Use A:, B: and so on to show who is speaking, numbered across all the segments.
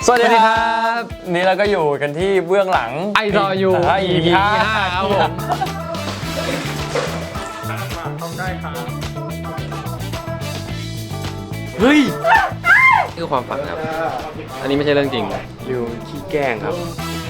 A: สวัสดีครับนี่เราก็อยู่กันที่เบื้องหลัง
B: ไอรออยู่
A: EP 5ครับผมต้องได้ครับ
B: เฮ้ยนี่คือความฝันครับอันนี้ไม่ใช่เรื่องจริงอยู่ขี้แกล้งครับ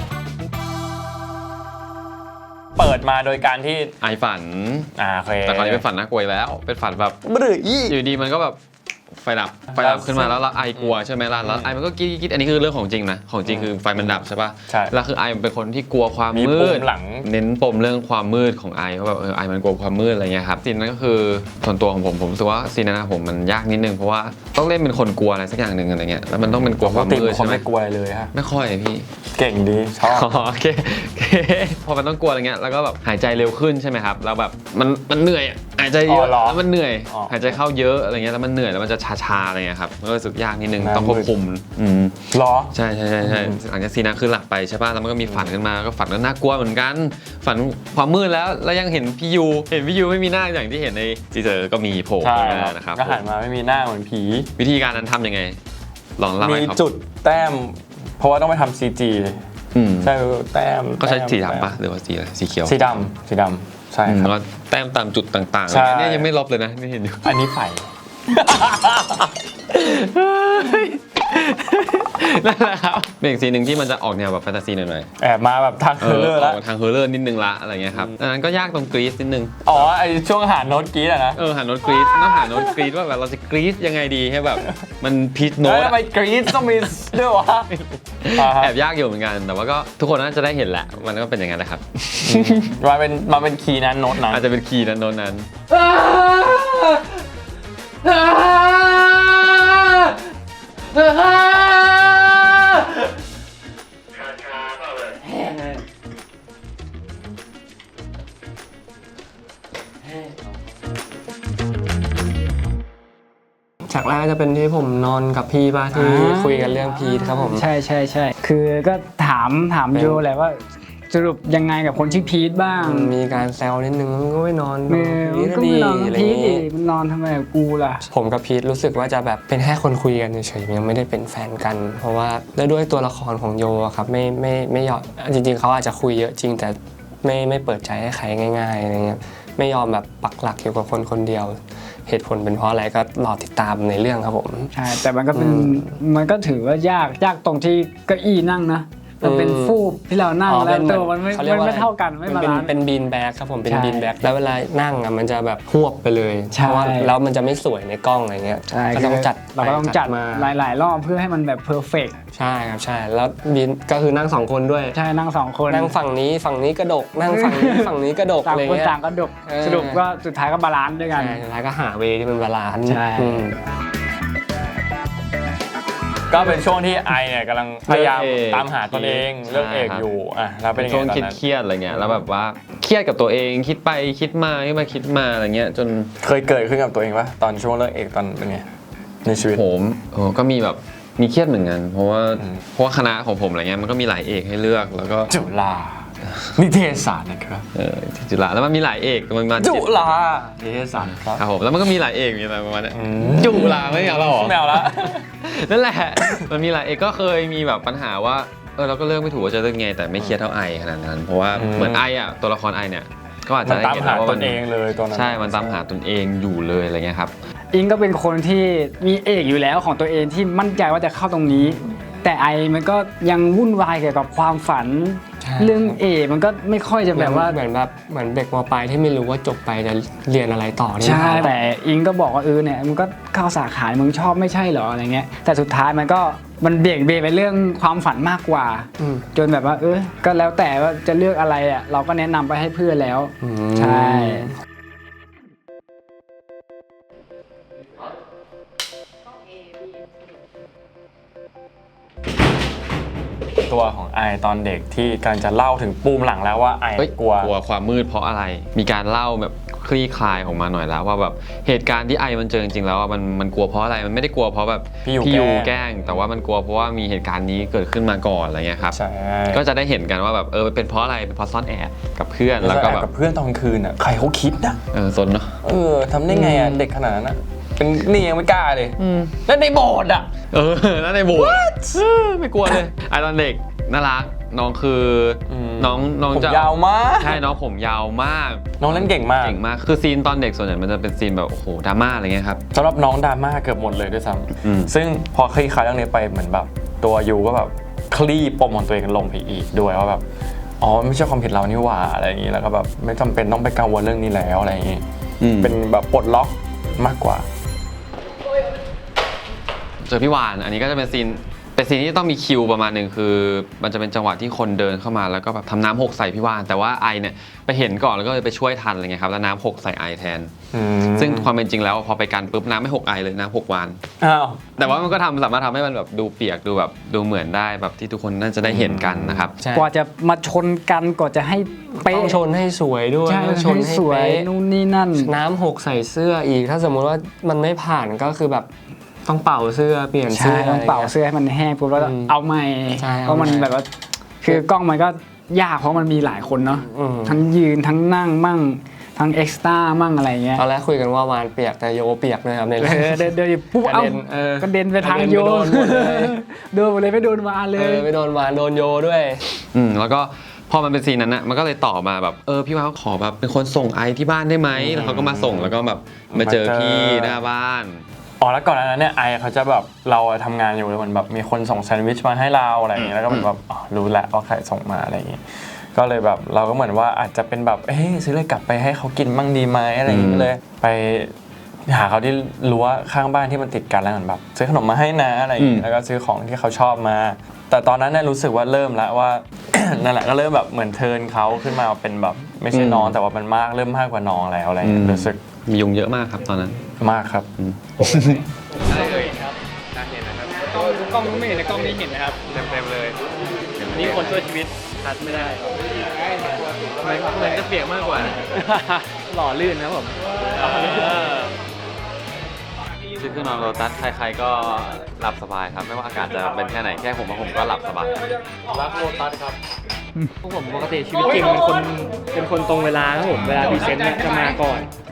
A: เปิดมาโดยการที่
B: ไอฝัน
A: โอเค
B: แต่ตอนนี้เป็นฝันน่ากลัวแล้วเป็นฝันแบบอยู่ดีมันก็แบบไฟดับขึ้นมาแล้วไอกลัวใช่ไหมล่ะแล้วไอมันก็กิ๊ดอันนี้คือเรื่องของจริงนะของจริงคือไฟมันดับใช่ป่ะแล้วคือไอมันเป็นคนที่กลัวความมืดเน้นปมเรื่องความมืดของไอเพราะแบบไอมันกลัวความมืดอะไรเงี้ยครับซีนนั้นก็คือส่วนตัวของผมรู้สึกว่าซีนนั้นผมมันยากนิดนึงเพราะว่าต้องเล่นเป็นคนกลัวอะไรสักอย่างหนึ่งอะไรเงี้ยแล้วมันต้องเป็นกลัวความมืดใช่ไหม
A: ไม่กลัวอะไรเลยฮะ
B: ไม่ค่อยพี่
A: เก่งดีชอบ
B: โอเคพอมันต้องกลัวอะไรเงี้ยแล้วก็แบบหายใจเร็วขึ้นใช่ไหมครับแล้วแบบมันเหนื่อยหายใจเยอะแล้วมันเหนื่อยหายใจเข้าเยอะอะไรเงี้ยแล้วมันเหนื่อยแล้วมันจะชาอะไรเงี้ยครับมันก็รู้สึกยากนิดนึงต้องควบคุม
A: หรอ
B: ใช่หลังจากซีนนั้นคือหลับไปใช่ป่ะแล้วมันก็มีฝันขึ้นมาก็ฝันก็น่ากลัวเหมือนกันฝันความมืดแล้วยังเห็นพี่ยูไม่มีหน้าอย่างที่เห็นในทีเซอร์ก็มีโผล่ขึ้นมานะครับ
A: ก็หันมาไม่มีหน้าเหมือนผี
B: วิธีการนั้นทำยังไงลองเล่าให้
A: ครับมีจุดแต้มเพราะว่าต้องไปทำ CG ใช่แต้ม
B: ก็ใช้สีดำป่ะหรือว่าสีอะไรสีเขียว
A: สีดำใช่ครับ
B: แล้วแต้มตามจุดต่างๆเนี่ยยังไม่ลบเลยนะไม่เห็นอยู่
A: อันนี้ไฟ
B: นั่นแหละครับเป็นอีกซีนหนึ่งที่มันจะออกแนวแบบแฟนตาซีหน่อย
A: ๆแอบมาแบบทางเฮอร์เรอร์แล้ว
B: ทางเฮอร์เรอร์นิดนึงละอะไรเงี้ยครับดังนั้นก็ยากตรงกรี๊ดนิดนึง
A: ไอช่วงหาโน้ตกรี๊ดอะนะ
B: หาโน้ตกรี๊ดต้องหาโน้ตกรี๊ดว่าแบบเราจะกรี๊ดยังไงดีให้แบบมันพีชโน้ต
A: ทำไมกรี๊ดต้องมีด้วยวะ
B: แอบยากอยู่เหมือนกันแต่ว่าก็ทุกคนน่าจะได้เห็นแหละมันก็เป็นอย่างนั้นแหละครับ
A: มาเป็นคีย์นั้นโน้ตนั้น
B: อาจจะเป็นคีย์นั้นโน้ตนั้น
C: ฉากแรกจะเป็นที่ผมนอนกับพี่ป่ะที่คุยกันเรื่องพีทครับผม
D: ใช่คือก็ถามโยแหละว่าสรุปยังไงกับคนชื่อพีทบ้าง
C: มีการแซวนิดนึงมันก็ไม่นอน
D: พีทดีอะไรอย่างงี้มันนอนทำไมกับกูล่ะ
C: ผมกับพีทรู้สึกว่าจะแบบเป็นแค่คนคุยกันเฉยๆยังไม่ได้เป็นแฟนกันเพราะว่าด้วยตัวละครของโยครับไม่ยอมจริงๆเขาอาจจะคุยเยอะจริงแต่ไม่เปิดใจให้ใครง่ายๆอะไรเงี้ยไม่ยอมแบบปักหลักอยู่กับคนเดียวเหตุผลเป็นเพราะอะไรก็รอติดตามในเรื่องครับผม
D: ใช่แต่มันก็ถือว่ายากตรงที่เก้าอี้นั่งนะมันเป็นฟูกที่เรานั่งแล้วตัวมันไม่เท่ากันไม่บาลานซ์
C: เป็นบีนแบ็กครับผมเป็นบีนแบ็กแล้วเวลานั่งอ่ะมันจะแบบหวบไปเลยเพราะว่าแล้วมันจะไม่สวยในกล้องอะไรเงี้ย
D: ก็ต้องจัดเราก็ต้องจัดมาหลายรอบเพื่อให้มันแบบเพอร์เฟกต์
C: ใช่ครับใช่แล้วบีนก็คือนั่ง2คนด้วย
D: ใช่นั่ง2คน
C: นั่งฝั่งนี้กระดกนั่งฝั่งนี้กระดกอะไรเงี้ย
D: ต่างกระดกสรุปก็สุดท้ายก็บาลานซ์ด้วยกัน
C: สุดท้ายก็หาเวที่มันบาลานซ์
D: ใช่
A: ก็เป็นช่วงที่ไอเนี่ยกำลังพยายามตามหาตนเองเรื่องเอกอยู่แล้วเป็น
B: ช่วงเครียดอะไรเงี้ยแล้วแบบว่าเครียดกับตัวเองคิดไปคิดมาอะไรเงี้ยจน
A: เคยเกิดขึ้นกับตัวเองปะตอนช่วงเรื่องเอกตอนเป็นไงในชีวิต
B: ผมก็มีแบบมีเครียดเหมือนกันเพราะว่าคณะของผมอะไรเงี้ยมันก็มีหลายเอกให้เลือกแล้วก็
A: จุฬานิเทศศาสตร์นะครับ
B: จุฬาแล้วมันมีหลายเอกมันมา
A: จุฬานิเทศศาสตร์
B: ครับผมแล้วมันก็มีหลายเอกมีอะไรประมาณนี้จุฬาไม่เอาแล้วหรอ
A: ไม่เอาแล้ว
B: นั่นแหละมันมีหลายเอกก็เคยมีแบบปัญหาว่าเราก็เลือกไม่ถูกว่าจะเลือกไงแต่ไม่เครียดเท่าไอขนาดนั้นเพราะว่าเหมือนไอตัวละครไอเนี่ยก็อาจจะได้
A: เห็นว่ามันเองเลยตอนนั้น
B: ใช่มันตามหาตนเองอยู่เลยอะไรเงี้ยครับ
D: อิงก็เป็นคนที่มีเอกอยู่แล้วของตัวเองที่มั่นใจว่าจะเข้าตรงนี้แต่ไอมันก็ยังวุ่นวายเกี่ยวกับความฝันเรื่องมันก็ไม่ค่อยจะแบบว่า
C: เหมือนเด็กม.ปลายที่ไม่รู้ว่าจบไปจะเรียนอะไรต่อ
D: ใช่แต่อิงก็บอกว่าเนี่ยมันก็เข้าสาขามึงชอบไม่ใช่เหรออะไรเงี้ยแต่สุดท้ายมันเบี่ยงเบนไปเรื่องความฝันมากกว่าจนแบบว่าก็แล้วแต่ว่าจะเลือกอะไรเราก็แนะนำไปให้เพื่อนแล้วใช่
A: ตัวของไอตอนเด็กที่กำลังจะเล่าถึงปูมหลังแล้วว่าไอกลัว
B: ความมืดเพราะอะไรมีการเล่าแบบคลี่คลายออกมาหน่อยแล้วว่าแบบเหตุการณ์ที่ไอมันเจอจริงๆแล้วมันกลัวเพราะอะไรมันไม่ได้กลัวเพราะแบบพี่ยูแกล้งแต่ว่ามันกลัวเพราะว่ามีเหตุการณ์นี้เกิดขึ้นมาก่อนอะไรเงี้ยครับก็จะได้เห็นกันว่าแบบเป็นเพราะอะไรเป็นเพราะซ่อนแอบกับเพื่อนแล้วก็แบบ
A: กับเพื่อนตอนคืนใครเขาคิดนะ
B: ซนเนาะ
A: ทำได้ไงเด็กขนาดนั้นเป็นนี่ยังไม่กล้าเลยแล้วในโบสถ์อ่ะ
B: แล้วในโบสถ์ไม่กลัวเลยไอตอนเด็กน่ารักน้องคือน้อง
A: ผม
B: จะ
A: ยาวมาก
B: ใช่น้องผมยาวมาก
A: น้องเล่นเก่งมาก
B: คือซีนตอนเด็กส่วนใหญ่มันจะเป็นซีนแบบโอ้โหดราม่าอะไรเงี้ยครับ
A: สำหรับน้องดราม่าเกือบหมดเลยด้วยซ้ำซึ่งพอคลี่คลายเรื่องนี้ไปเหมือนแบบตัวยูก็แบบคลี่ปมของตัวเองลงไปอีกด้วยว่าแบบอ๋อไม่ใช่ความผิดเรานี่หว่าอะไรอย่างนี้แล้วก็แบบไม่จำเป็นต้องไปกังวลเรื่องนี้แล้วอะไรอย่างนี้เป็นแบบปลดล็อกมากกว่า
B: เจอพี่วานอันนี้ก็จะเป็นซีนที่ต้องมีคิวประมาณหนึ่งคือมันจะเป็นจังหวะที่คนเดินเข้ามาแล้วก็แบบทำน้ำหกใส่พี่วานแต่ว่าไอเนี่ยไปเห็นก่อนแล้วก็เลยไปช่วยทันอะไรเงี้ยครับแล้วน้ำหกใส่ไอแทนซึ่งความเป็นจริงแล้วพอไปกันปุ๊บน้ำไม่หกไอเลยน้ำหกวานแต่ว่ามันก็สามารถทำให้มันแบบดูเปียกดูแบบดูเหมือนได้แบบที่ทุกคนน่าจะได้เห็นกันนะครับ
D: กว่าจะมาชนกันกว่าจะให้เป๊ะ
C: ต้องชนให้สวยด้วย
D: ใช่
C: ต้องชนให้
D: สวย
C: เป๊ะ
D: นู่นนี่นั่น
C: น้ำหกใส่เสื้ออีก ถ้าสมมุติว่ามันไม่ผ่านก็คือแบบต้องเป่าเสื้อเปลี่ยน
D: ใช่
C: เสื้อ
D: ต้องเป่าเสื้อให้มันแห้งปุ๊บแล้วก็เอาใหม่
C: ใช่
D: เพราะมันแบบว่าคือกล้องมันก็ยากเพราะมันมีหลายคนเนาะ ทั้งยืนทั้งนั่งมั่งทั้งเอ็กซ์ตร้ามั่งอะไรเงี้ย
C: ตอนแรกคุยกันว่าวานเปียกแต่โยเปียกเลยครับในเรื่อง
D: เดินปุ๊บ
C: กระ
D: เอ้า
C: เด็น
D: กระเด็นไปทางโย
C: กระเด็นไปโดนหมดเลย
D: โดนหมดเลยไม่โดนวานเลย
C: ไม่โดนวานโดนโยด้วย
B: แล้วก็พอมันเป็นซีนนั้นนะมันก็เลยต่อมาแบบพี่วานขอแบบเป็นคนส่งไอที่บ้านได้ไหมแล้วเขาก็มาส่งแล้วก็แบบมาเจอพี่หน้าบ้าน
A: อ๋อแล้วก่อนหน้านั้นเนี่ยไอเขาจะแบบเราทำงานอยู่แล้วมันแบบมีคนส่งแซนด์วิชมาให้เราอะไรอย่างเงี้ยแล้วก็เหมือนแบบรู้แหละว่าใครส่งมาอะไรอย่างเงี้ยก็เลยแบบเราก็เหมือนว่าอาจจะเป็นแบบซื้อเลยกลับไปให้เขากินบ้างดีไหมอะไรอย่างเงี้ยเลยไปหาเขาที่รั้วข้างบ้านที่มันติดกันแล้วเหมือนแบบซื้อขนมมาให้นะอะไรอย่างเงี้ยแล้วก็ซื้อของที่เขาชอบมาแต่ตอนนั้นเนี่ยรู้สึกว่าเริ่มแล้วว่า นั่นแหละก็เริ่มแบบเหมือนเทิร์นเขาขึ้นมาเป็นแบบไม่ใช่น้องแต่ว่ามันเริ่มมากกว่าน้องแล้วอะไรอย่างเงี้ยรู้สึก
B: มียุงเยอะมากครับตอนนั้น
A: มากครับ
E: ได้เลยครับน่าเห็นนะครับกล้องไม่เห็นในกล้องนี้เห็นนะครับเต็มเลยนี่คนช่วยชีวิตทัดไม่ได้เหมือนจะเปียกมากกว่าหล่อลื่นนะผม
B: ซื้อเครื่องนอนโลตัสใครๆก็หลับสบายครับไม่ว่าอากาศจะเป็นแค่ไหนแค่ผมก็หลับสบาย
A: รักโลตัสครับ
E: พวกผมปกติชีวิตจริงเป็นคนตรงเวลาครับผมเวลาพรีเซนต์เนี่ยจะมาก่อน